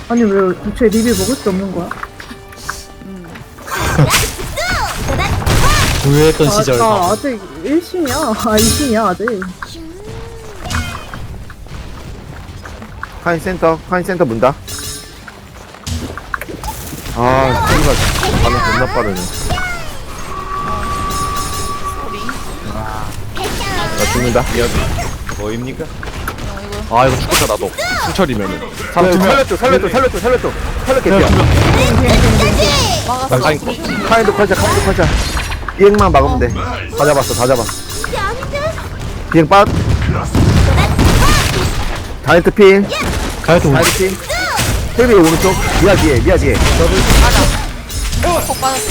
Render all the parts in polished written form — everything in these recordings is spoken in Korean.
아니 왜 대체 리뷰 먹을 수 없는 거야? 부유했던 시절. 나 아직 1신이야. 아 2신이야 아직. 카인 센터 문다. 아, 씨가 반응 존나 빠르네. 나 죽는다. 뭐입니까? 아 이거 죽겠다 나도 수철이면은 살렸죠. 살렸겠죠. 막았어. 카인도 컬자. 비행만 막으면 돼. 다 잡았어. 비행 빠. 다이트 핀. 가야도 다이트 핀. 텔비 오른쪽. 미아 뒤에. 폭 빠졌어.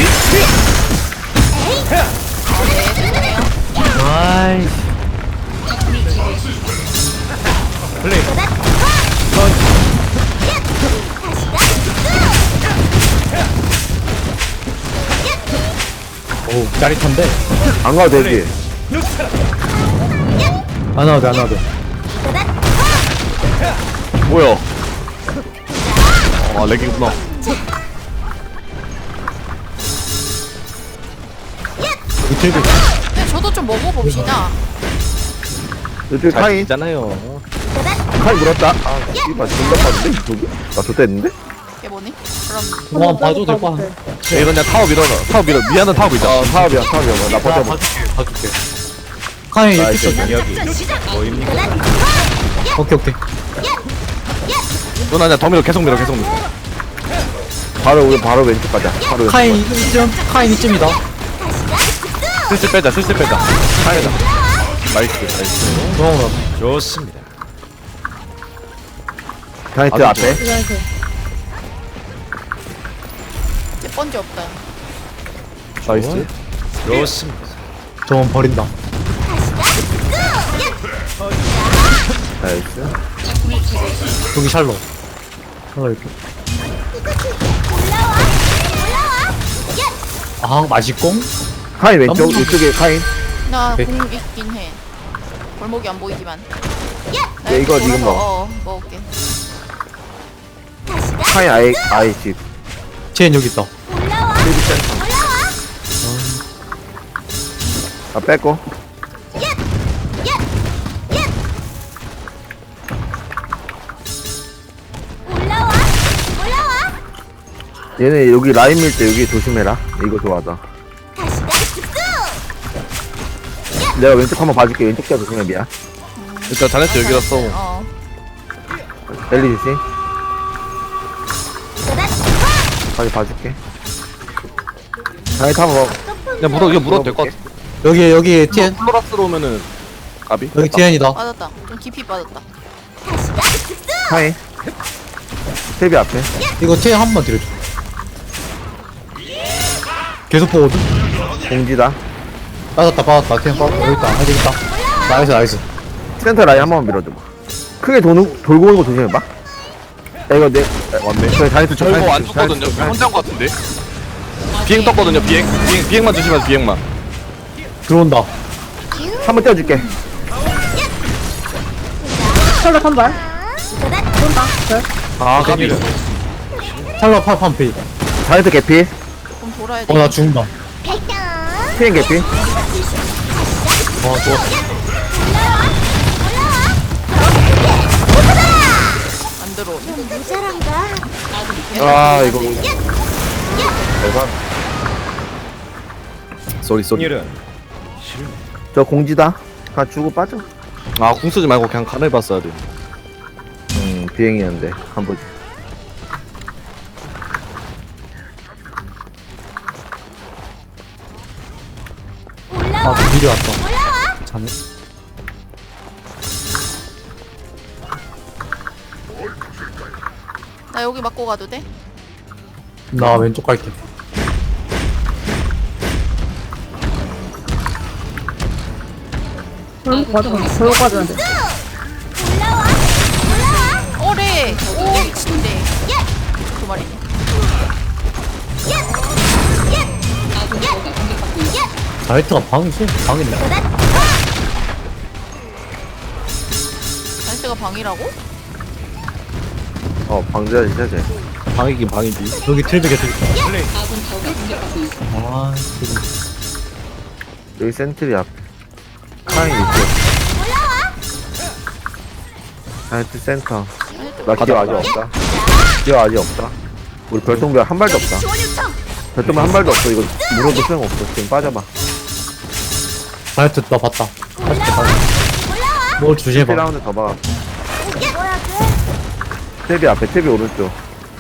아이. 플레이 오, 짜릿한데? 안 가도 되지. 안 와도 돼. 뭐야 아 렉이구나 이틀도 근데 저도 좀 먹어봅시다. 이쪽 잘 카인. 있잖아요 카인 물었다. 아, 씨발 존나 빠른데 저기? 나 좋댔는데? 이게 뭐니? 그럼 한번 봐도 될 거 같아. 이거 그냥 타워 밀어 미안한 타워 밀자 사업이야. 나 버텨봐. 봐줄게. 카이 나이스. 끝 아, 뭐입니까? 오케이. 누나 그냥 더 밀어 계속 밀어 바로 왼쪽 가자. 바로 왼쪽. 카인 2점? 카인 2점이다. 슬슬 빼자 카이다 나이스 고마워. 좋습니다 다이트 아, 앞에. 이렇게. 이제 번지 없다. 나이스. 좋습니다 저건 버린다. 나이스. 여기 샬로. 이렇게. 아, 맛있공? 카인 왼쪽. 이쪽에 카인. 나 네. 공 있긴 해. 골목이 안 보이지만. 나 네, 이거 이렇게 지금 돌아서, 먹어. 먹을게. 카인 아예 집. 쟤는 여기 있다. 필드 센터. 아, 뺐고. 얘네 여기 라인 밀 때 여기 조심해라. 이거 좋아하다. 내가 왼쪽 한번 봐줄게. 왼쪽 자 조심해 미야. 일단 자네트 여기라서 어. 엘리 조심. 빨리 봐줄게. 다이트 한번 먹. 그냥 이거 물어도 될 것 같아 여기 TN. 플로라스로 오면은 까비 여기 TN이다. 빠졌다. 좀 깊이 빠졌다. 카인. 세비 앞에. 이거 TN 한 번 들여줘. 계속 보거든? 공지다. 빠졌다. TN 빠졌다. 여기 있다. 여기 있다. 나이스. 센터 라인 한 번만 밀어줘봐. 크게 돌고 오는 거 조심해봐. 야, 이거 왔네 저희 다이트 저 이거 안 죽거든요 혼자인 것 같은데 비행 떴거든요 비행만 조심하세요 비행만 들어온다. 한번 떼어줄게. 샬롯 한 발. 쏜다. 네. 아 까비 샬로 팔판피. 다이트 개피. 좀 돌아야 돼. 나 죽는다. 피행 개피. 좋았어. 안 들어. 아, 이거. 쏘리 네. 저 공지다. 가 주고 빠져. 아궁 쓰지 말고 그냥 간을 봤어야 돼 비행이었는데. 한번. 미리 왔다. 자네. 나 여기 맞고 가도 돼? 나 왼쪽 갈게. 저기로 가져야 돼. 오래. 오 미친데. 그 말이네. 자이트가 방이지? 방이네. 자이트가 방이라고? 방제하지 쟤. 방이긴 방이지. 여기 트리비 개트리. 아, 지금. 여기 센트리 앞. 카인 있고. 하이트 센터. 나 기어 아직 없다. 기어 아직 없다. 우리 별똥별 한 발도 없다. 별똥별 한 발도 없어. 이거 물어도 소용없어. 지금 빠져봐. 다이어트 나 봤다. 맛있게 봐. 뭘 주시해봐. 1라운드 더 봐. 탭이 앞에, 탭이 오른쪽.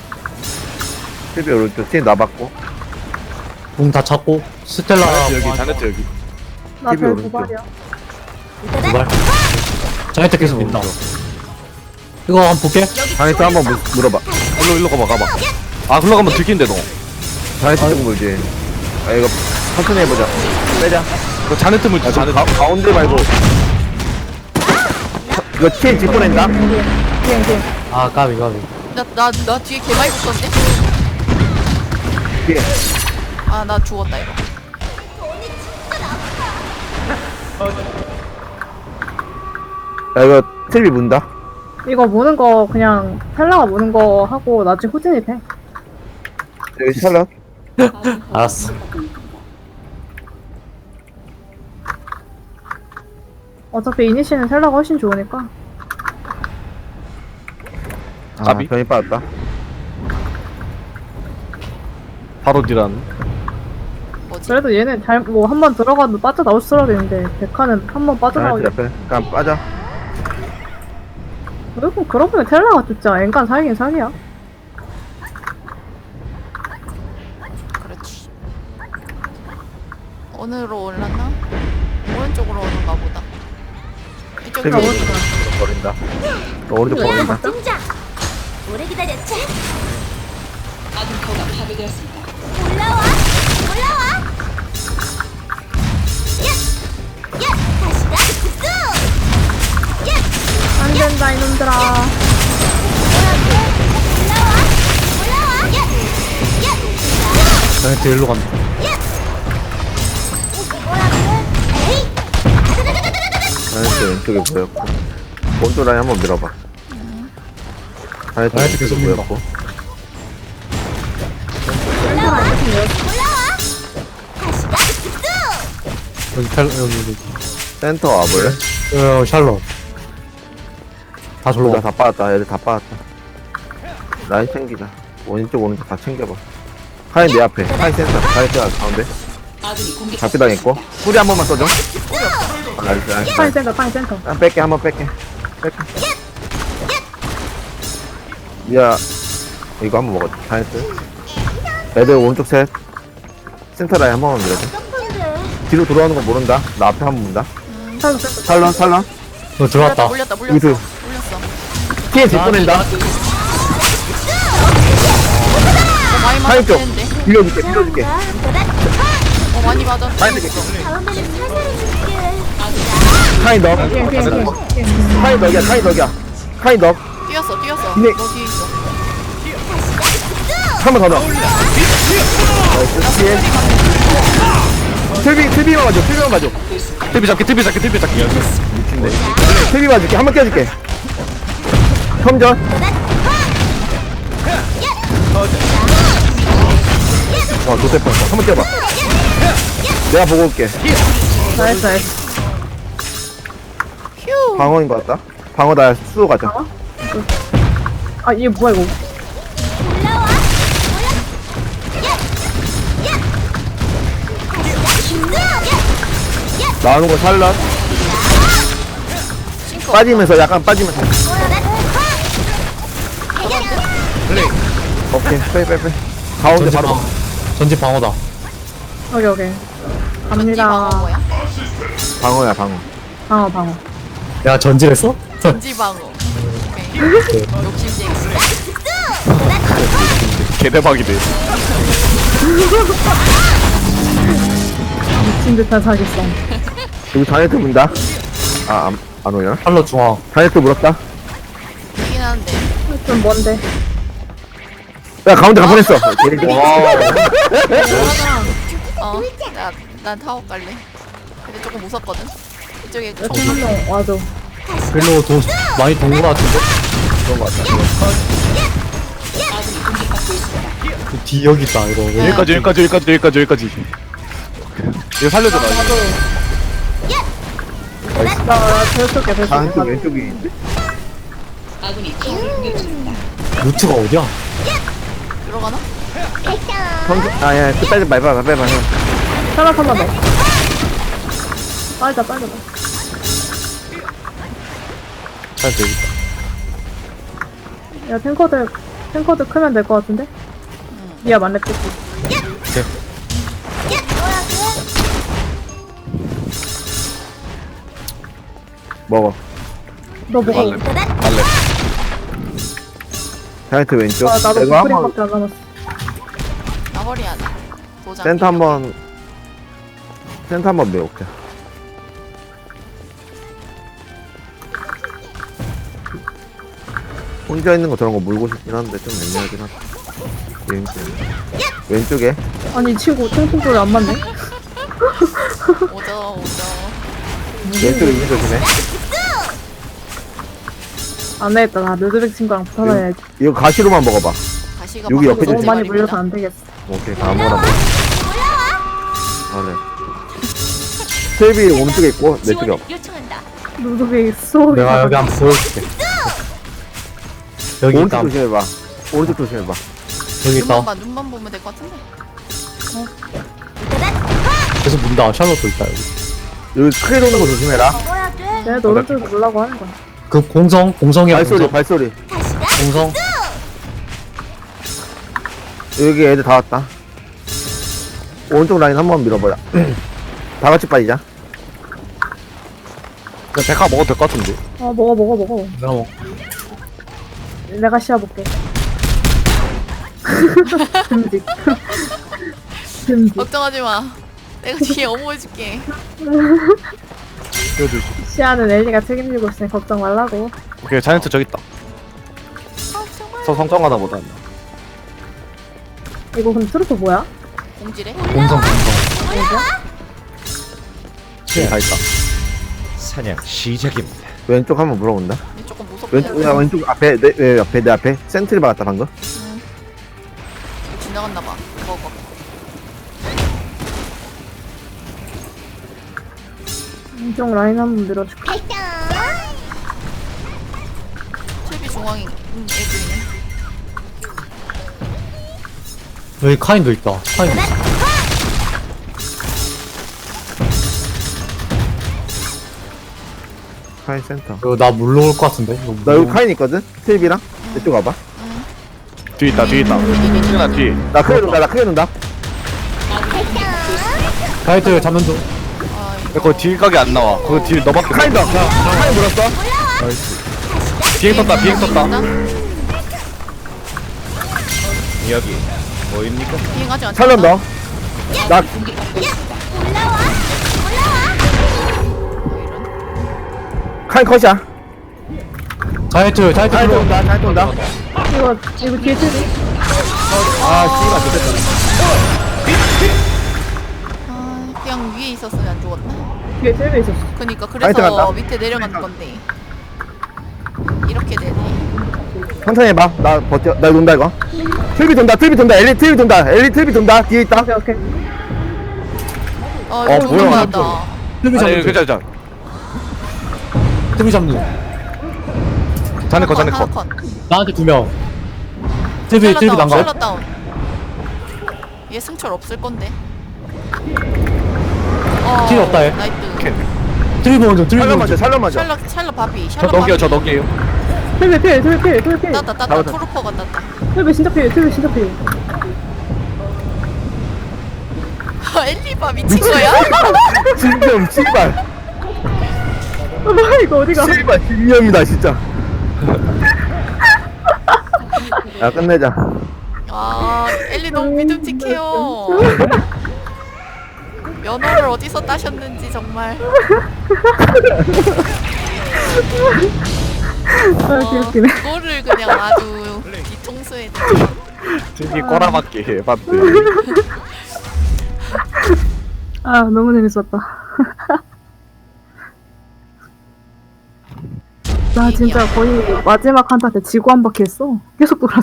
탭이 오른쪽. 탭 나봤고. 궁다 찾고 스텔라 여기 자네트 여기. 나 TV 별 오른쪽. 도발이야. 두발. 자이트 계속 민다. 이거 한번 볼게. 자네트 한번 물어봐. 일로 가봐. 아 글로 가면 들킨데 너. 자네트 쪽 물지. 아, 이거 천천히 해보자. 빼자. 그 자네트 물지 아, 자네트. 가운데 말고. 이거 TN 뒷보낸다? 비행. 아 까비. 나 뒤에 개 많이 붙었는데? 뒤에. 아 나 죽었다 이거. 야, 이거 탭이 문다? 이거 무는 거 그냥 텔라가 무는 거 하고 나중에 호진이 돼. 여기 샬럿. 알았어. 어차피 이니시는 텔라가 훨씬 좋으니까. 아, 까비? 변이 빠졌다. 바로 딜한. 뭐지? 그래도 얘는 잘 뭐 한 번 들어가도 빠져 나올 수라 되는데 백화는 한 번 빠져나오기. 자네트 옆에. 그냥 빠져. 그리고 그러고 보면 텔라가 진짜 앵간 사기긴 사기야. 그렇지. 어느로 올랐나? 오른쪽으로 오는가 보다. 이쪽으로 탭이 오른쪽. 오른쪽 버린다. 오른쪽 버린다. 등장. 오래 기다렸지? 올라와. 다시 가. 안 된다 이놈들아. 자이트 일로 간다. 자네트 왼쪽에 보였고. 오른쪽 라인 한번 밀어봐. 자네트 자네트 계속 왼쪽에 밀어. 보였고. 여기. 센터 와볼래? 샬롯. 다 절로 둘 가. 다 빠졌다. 애들 다 빠졌다. 라인 챙기자. 오른쪽 다 챙겨봐. 카인 내 앞에. 카인 센터. 자네트 가운데. 잡기당했고. 뿌리 한 번만 써줘. 아, 나이스. 파인 센터. 한 뺄게. 한번 뺄게. 야, 이거 한번 먹었지. 자네트. 애들 오른쪽 셋. 센터 라인 한 번만 밀어줘. 뒤로 돌아오는 거 모른다. 나 앞에 한 번 문다. 센터. 살런. 너 들어왔다. 물렸어. 이들. TN 뒷보낸다. 많이 카인 쪽. 맞았는데. 빌려줄게. 많이 맞았어. 카인 쪽. 다음에는 살살해줄게. 카인 너. 비행. 카인 덕이야. 카인 덕. 뛰었어. 근데- 너 뒤에 있어. 한 번 더 넣어. 나이스. 틀비만 가져. TV 잡기. 미친데. 틀비 맞을게. 한 번 껴줄게. 컴전. 좋대 뻔했어. 한 번 껴봐. 내가 보고 올게. 나이스. 휴. 방어인 것 같다. 방어 나 수호 가자. 아 이게 뭐야 이거. 나오는 거 살라. 빠지면서 약간 빠지면서. 오케이. 빼. 가운데 전지 바로. 방어. 전지 방어다. 오케이. 전지 갑니다. 방어 뭐야? 방어야 방어. 방어. 야 전지랬어? 전지 방어. 오케이. 욕심쟁이. 개대박이네. 미친 듯한 사기성. 여기 자네트 문다. 안 오냐? 샬롯 중앙. 자네트 물었다. 이긴 한데. 좀 뭔데? 야 가운데 가보냈어. 난 타워 갈래. 근데 조금 무섭거든. 이쪽에 이렇게 한명 와줘. 별로 돈 많이 돈거 같은데? 그런 거 같다. 뒤 여기 있다 이거 왜 여기까지. 이거 살려줘 나 이거. 나 제일 게 다한테 왼쪽이 있는데? 루트가 어디야? 들어가나? 아야 끝까지 말봐 하나 더. 빨자. 살려줘 여기 있다. 야 탱커들 크면 될 것 같은데? 미야 만렙 찍고. 먹어. 너 먹어. 말래. 다이어트 왼쪽. 아 나도 이거 한번 스프링밖에 안 남았어. 나 허리야. 도장. 센터 한번 매울게. 혼자 있는 거 저런 거 물고 싶긴 한데 좀 애매하긴 하다. 왼쪽에 아니 이 친구 통통 소리 안 맞네. 오죠. 왼쪽에 있는 조심해. 안 되겠다. 나 르드백 친구랑 붙어놔야지. 이거 가시로만 먹어봐. 가시가 여기 옆에 너무 좀 많이 물려서 안 되겠어. 오케이 아무거나 먹어. 아 네. 텔비 오른쪽에 있고 내 쪽에 없어. 요청한다. 르드백 쏘기. 내가 여기 한번 보여줄게 여기 있다 오른쪽 조심해봐. 오른쪽 조심해봐. 여기 있다 눈만 보면 될 것 같은데. 계속 문다 샬롯도 있다 여기 여기 크게 도는 거 조심해라. 먹어야 돼. 얘네 오른쪽에 보려고 하는 거야. 그 공성이야 발소리. 공성 여기 애들 다 왔다. 오른쪽 라인 한번 밀어보자. 다 같이 빠지자. 그냥 백화 먹어도 될 것 같은데. 먹어. 내가 뭐 내가 씌워볼게. 듬직. 걱정하지 마. 내가 뒤에 어머해줄게. 띄워주지. 시아는 엘리가 책임지고 있으니 걱정 말라고. 오케이 자이언트 저기 있다. 성장하다 보다. 이거 근데 트루프 뭐야? 공지래? 공성 다 있다. 사냥 시작입니다. 왼쪽 한번 물어본다. 근데 조금 무섭다. 왼쪽 앞에 내 앞에 센트리 박았다 방금. 지나갔나봐. 먹어. 왼쪽 라인 한번 밀어줄게. 텔비 중앙에 애들이네. 여기 카인도 있다 카인 카인 센터. 이거 나 물러올 것 같은데 이거 나 여기 카인 있거든. 텔비랑 이쪽 와봐. 뒤에 있다. 승현아 뒤에. 나 크게 논다. 다이트 잡는 중 아 야, 이거. 거기 딜 각이 안 나와. 거기 딜 너밖에 없어. 카인 더. 카인 물었어. 비행 떴다. 있나? 여기 뭐입니까? 비행하지 않잖아. 살련 더. 나 카인 컷이야. 다이트 카인 들어 온다. 카인 온다. 이거 뒤에 트리. 아 씨발 좋겠다. 아 그냥 위에 있었으면 안 죽었나? 뒤에 트리 있었어. 그니까 파이트 그래서 간다. 밑에 내려가는 건데. 이렇게 되네. 천천히 해봐. 나 버텨. 나 논다 이거. 텔비 돈다. 엘리 텔비 돈다. 뒤에 있다. 오케이. 이거 뭐야. 좋은 거다. 트비 아니 잡는 중 괜찮아. 트비 잡는 중 자네 거. 나한테 2명 트비 난가 샬럿 다운. 얘 승철 없을 건데. 킬 없다, 얘. 나이트. 트비 먼저 살련 맞아. 샬럿 바비. 저 샬럿 너게요. 바비. 트리 필. 땄다. 잡았다. 트루퍼가 땄다. 트리 진짜 필. 엘리바 미친 거야? 진정 씨발. 이거 어디가? 씨발 진념이다 진짜. 야 끝내자. 아 엘리 너무 믿음직해요. 면허를 어디서 따셨는지 정말. 귀엽기네. 그거를 그냥 아주 뒤통수에. 저기 꼬라박기 해봤대. 아 너무 재밌었다. 나 진짜 거의 마지막 한타 때 지구 한 바퀴 했어. 계속 돌았어.